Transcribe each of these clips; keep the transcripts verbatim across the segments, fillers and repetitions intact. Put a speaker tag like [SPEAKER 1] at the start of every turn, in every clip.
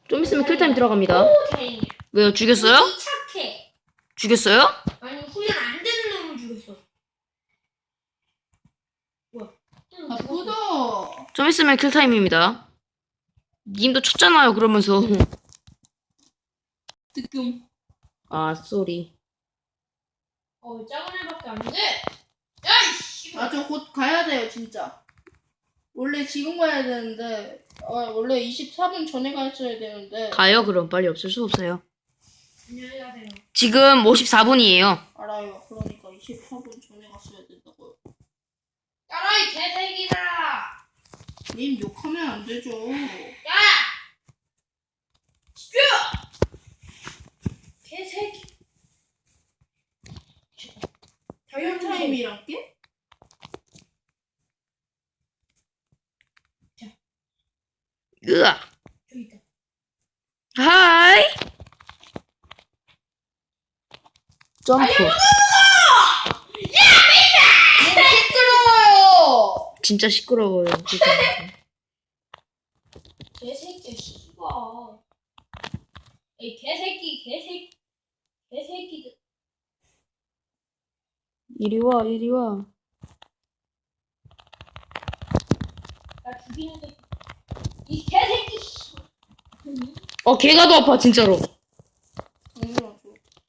[SPEAKER 1] 좀 있으면 킬타임 들어갑니다.
[SPEAKER 2] 오, 다행이야.
[SPEAKER 1] 왜요? 죽였어요?
[SPEAKER 2] 우리 착해.
[SPEAKER 1] 죽였어요?
[SPEAKER 2] 아니, 훈련 안 되는 놈을 죽였어. 뭐야?
[SPEAKER 3] 아, 부도.
[SPEAKER 1] 좀 있으면 킬타임입니다. 님도 쳤잖아요, 그러면서.
[SPEAKER 3] 뜨끔.
[SPEAKER 1] 아, 쏘리.
[SPEAKER 2] 어, 작은 애밖에 안 돼. 야, 이씨.
[SPEAKER 3] 아, 저 곧 가야 돼요, 진짜. 원래 지금 가야 되는데, 아, 원래 이십사 분 전에 갔어야 되는데.
[SPEAKER 1] 가요, 그럼. 빨리 없을 수 없어요.
[SPEAKER 2] 안녕히 가세요.
[SPEAKER 1] 지금 오십사 분이에요.
[SPEAKER 3] 알아요. 그러니까 이십사 분 전에 갔어야 된다고요.
[SPEAKER 2] 따라, 이 개새끼들아.
[SPEAKER 3] 님 욕하면 안 되죠.
[SPEAKER 2] 야! 집중! 개새끼.
[SPEAKER 3] 자연 타임이랑 게?
[SPEAKER 1] 으악.
[SPEAKER 2] 저기 있다.
[SPEAKER 1] 하이. 점프.
[SPEAKER 3] 시끄러워요.
[SPEAKER 1] 진짜 시끄러워요. 죄송합니다.
[SPEAKER 2] 개새끼, 씨발. 에이, 개새끼, 개새끼. 개새끼들.
[SPEAKER 1] 이리 와, 이리 와.
[SPEAKER 2] 나 죽이는 새끼. 이 개새끼, 씨.
[SPEAKER 1] 어, 걔가 더 아파, 진짜로.
[SPEAKER 3] 당연하죠.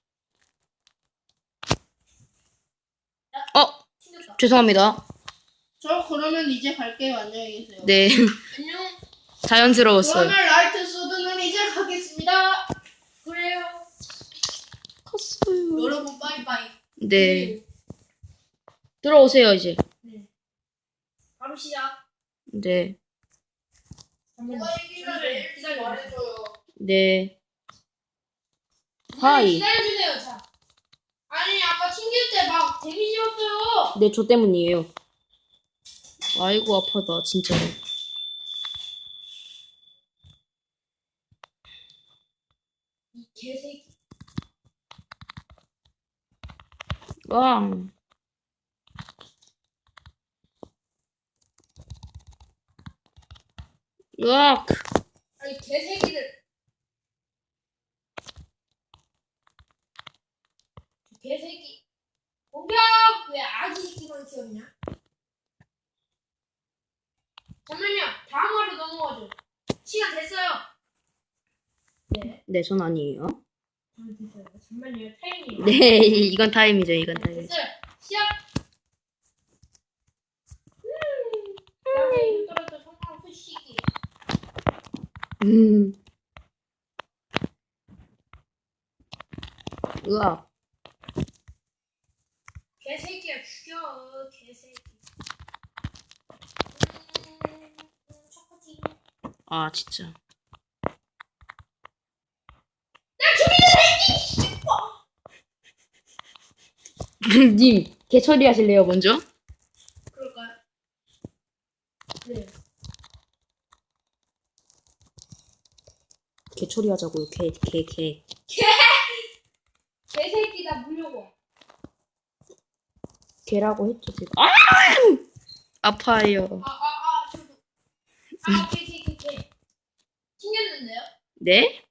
[SPEAKER 1] 어,
[SPEAKER 2] 튕겼다.
[SPEAKER 1] 죄송합니다.
[SPEAKER 3] 저 그러면 이제 갈게요. 안녕히 계세요.
[SPEAKER 1] 네.
[SPEAKER 2] 안녕.
[SPEAKER 1] 자연스러웠어요.
[SPEAKER 3] 그러면 라이트 소드는 이제 가겠습니다.
[SPEAKER 2] 그래요.
[SPEAKER 1] 컸어요.
[SPEAKER 3] 여러분 빠이빠이.
[SPEAKER 1] 네. 들어오세요, 이제.
[SPEAKER 2] 네. 바로 시작.
[SPEAKER 1] 네.
[SPEAKER 2] 잠깐만요.
[SPEAKER 3] 누가 얘기를
[SPEAKER 2] 기다려.
[SPEAKER 3] 말해줘요.
[SPEAKER 1] 네.
[SPEAKER 2] 하이.
[SPEAKER 1] 하이.
[SPEAKER 2] 기다려주세요, 자. 아니, 아까 튕길 때 막 데미지 였어요.
[SPEAKER 1] 네, 저 때문이에요. 아이고, 아파다, 진짜로.
[SPEAKER 2] 이 개새끼.
[SPEAKER 1] 왕. 으악.
[SPEAKER 2] 아니, 개새끼들. 개새끼. 공격! 왜 아기 새끼만 키웠냐? 잠깐만요. 다음 화로 넘어가죠. 시간 됐어요. 네.
[SPEAKER 1] 네, 전 아니에요.
[SPEAKER 2] 아, 됐어요. 잠깐만요. 타이밍.
[SPEAKER 1] 네, 이건 타임이죠, 이건 타임이죠.
[SPEAKER 2] 됐어요. 시작. 음. 나한테 이거 떨어져 성공 푸시기.
[SPEAKER 1] 음. 으악.
[SPEAKER 2] 개새끼야 죽여. 개새끼. 음, 음, 초코지.
[SPEAKER 1] 아, 진짜. 님, 개 처리하실래요, 먼저?
[SPEAKER 2] 그럴까요? 네.
[SPEAKER 1] 개 처리하자고요, 개, 개, 개.
[SPEAKER 2] 개새끼 나 물려고.
[SPEAKER 1] 개라고 했죠, 지금. 아! 아파요.
[SPEAKER 2] 아, 아, 아, 저도. 아, 개, 개, 개, 개. 튕겼는데요?
[SPEAKER 1] 네?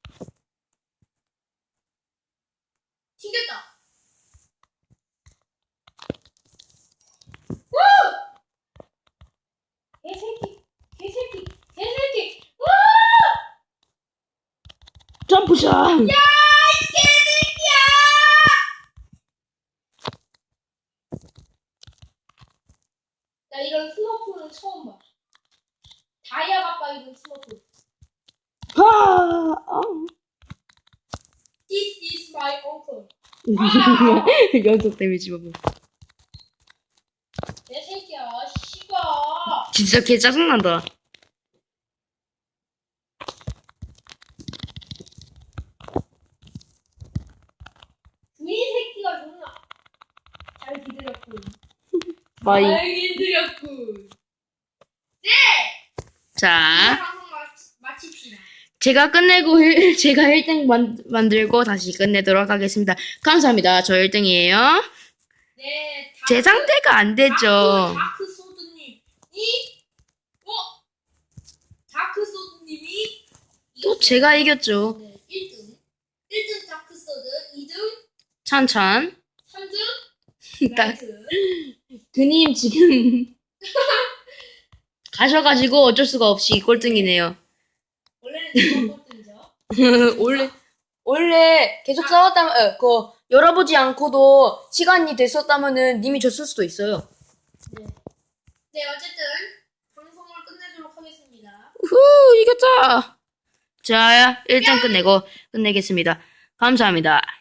[SPEAKER 2] 튕겼다. 개새끼, 개새끼, 개새끼. 우!
[SPEAKER 1] 점프샷!
[SPEAKER 2] 야, 이 개새끼야! 나 이런 스머프는 처음 봐. 다이아 가빠 이런 스머프.
[SPEAKER 1] 아! 아.
[SPEAKER 2] This is my uncle.
[SPEAKER 1] 연속 데미지 봐봐.
[SPEAKER 2] 개새끼야, 씨가.
[SPEAKER 1] 진짜 개 짜증난다.
[SPEAKER 2] 주인 새끼가 존나 잘 기다렸군.
[SPEAKER 1] 바이.
[SPEAKER 2] 잘 기다렸군.
[SPEAKER 1] 자,
[SPEAKER 2] 방송 마, 마칩시다.
[SPEAKER 1] 제가 끝내고 일- 제가 일 등 만, 만들고 다시 끝내도록 하겠습니다. 감사합니다. 저 일 등이에요.
[SPEAKER 2] 네. 다크-
[SPEAKER 1] 제 상태가 안 되죠.
[SPEAKER 2] 다크, 다크 소드님 이 어? 다크 소드님이
[SPEAKER 1] 또 제가 이겼죠.
[SPEAKER 2] 네, 일 등. 일 등 다크서드, 이 등
[SPEAKER 1] 찬찬.
[SPEAKER 2] 삼 등
[SPEAKER 1] 딱
[SPEAKER 2] 라이트.
[SPEAKER 1] 그님 지금 가셔가지고 어쩔 수가 없이 꼴등이네요.
[SPEAKER 2] 원래는 제가 꼴등이죠.
[SPEAKER 1] 원래 원래 계속 싸웠다면 어, 그 열어보지 않고도 시간이 됐었다면은 님이 졌을 수도 있어요.
[SPEAKER 2] 네. 네, 어쨌든 방송을 끝내도록 하겠습니다.
[SPEAKER 1] 후 이겼다. 자 일단 끝내고 끝내겠습니다. 감사합니다.